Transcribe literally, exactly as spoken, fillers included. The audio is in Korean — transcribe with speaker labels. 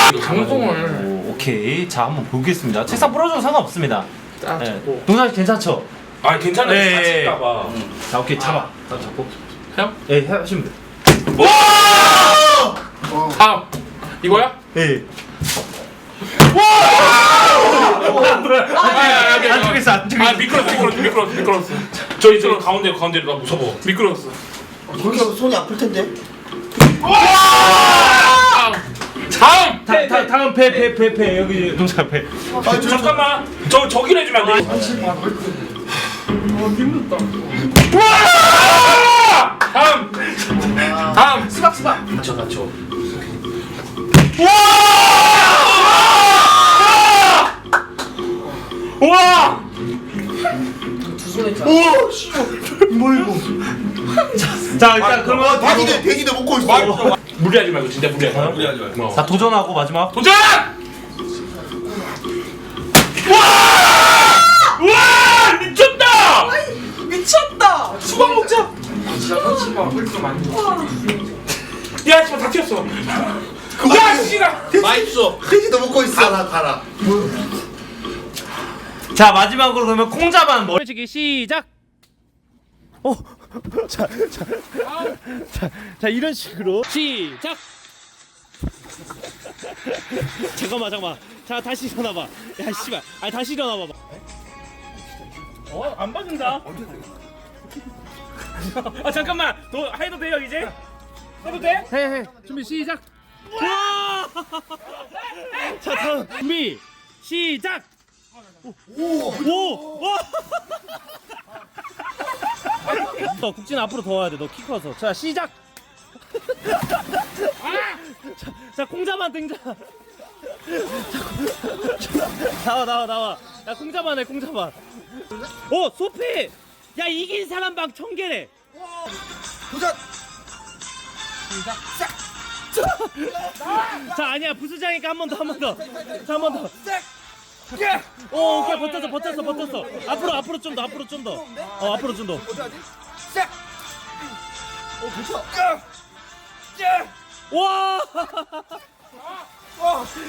Speaker 1: 방송을.
Speaker 2: 오, 오케이. 자, 한번 보겠습니다. 책상 부러져도 상관없습니다.
Speaker 1: 딱
Speaker 2: 네.
Speaker 1: 잡고.
Speaker 2: 동상 괜찮죠?
Speaker 3: 아 괜찮아.
Speaker 2: 네.
Speaker 3: 같이 있다봐.
Speaker 2: 자, 오케이. 잡아. 딱 잡고.
Speaker 1: 형?
Speaker 2: 예, 하시면 돼.
Speaker 1: 다음. 이거야?
Speaker 2: 예.
Speaker 1: 아,
Speaker 2: 안쪽에서 안쪽에서.
Speaker 1: 아 미끄러웠어 미끄러웠어 미끄러웠어 미끄러웠어.
Speaker 3: 저기 저기 가운데 가운데 나 무서워.
Speaker 1: 미끄러웠어.
Speaker 4: 그렇게 하면 손이 아플 텐데.
Speaker 1: 다음.
Speaker 2: 다, 다, 다음 배, 배, 배, 배. 여기 동상 배.
Speaker 4: 아, 저, 저,
Speaker 3: 잠깐만. 저 저기를 해주면 안 돼.
Speaker 1: 어 힘들다. 다음. 다음. 수박 수박.
Speaker 4: 저, 저.
Speaker 2: 우와!
Speaker 4: 오, 씨. 뭐 이거?
Speaker 2: 자, 일단 그러면
Speaker 4: 아, 대기대, 대기대 먹고 있어.
Speaker 3: 무리하지 말고 진짜 무리하지 말고.
Speaker 5: 무리하지 말고.
Speaker 3: 어.
Speaker 2: 자, 도전하고 마지막.
Speaker 3: 도전! 와 미쳤다!
Speaker 6: 미쳤다.
Speaker 3: 수박 먹자. 야 지금 다 튀었어. 야 씨가.
Speaker 4: 맛있어. 돼지도 먹고 있어. 가라, 가라.
Speaker 2: 자, 마지막으로 그러면 콩자반 머리치기 시작. 어. 자, 자. 자, 자, 이런 식으로 시작. 잠깐만, 잠깐만. 자, 다시 일어나 봐. 야, 씨발. 아니, 다시 일어나 봐.
Speaker 3: 어? 안 봐준다. 아 잠깐만. 너 해도 돼요 이제? 해도 돼?
Speaker 2: 해, 해. 준비 시작. 와! 자, 다음 준비 시작. 오! 오! 와! 너 국진 앞으로 더 와야 돼. 너 키 커서. 자, 시작. 자, 자, 콩자반 등장. 자, 나와, 나와, 나와. 야, 콩자반 해, 콩자반. 오, 소피! 야, 이긴 사람 방 천 개래.
Speaker 4: 도전!
Speaker 2: 자, 아니야, 부수장이니까 한 번 더, 한 번 더. 자, 한 번 더. 오, 오케이, 버텼어, 버텼어, 버텼어. 앞으로, 앞으로 좀 더, 앞으로 좀 더. 어, 앞으로 좀 더.
Speaker 4: 오, 그쵸?
Speaker 2: 와!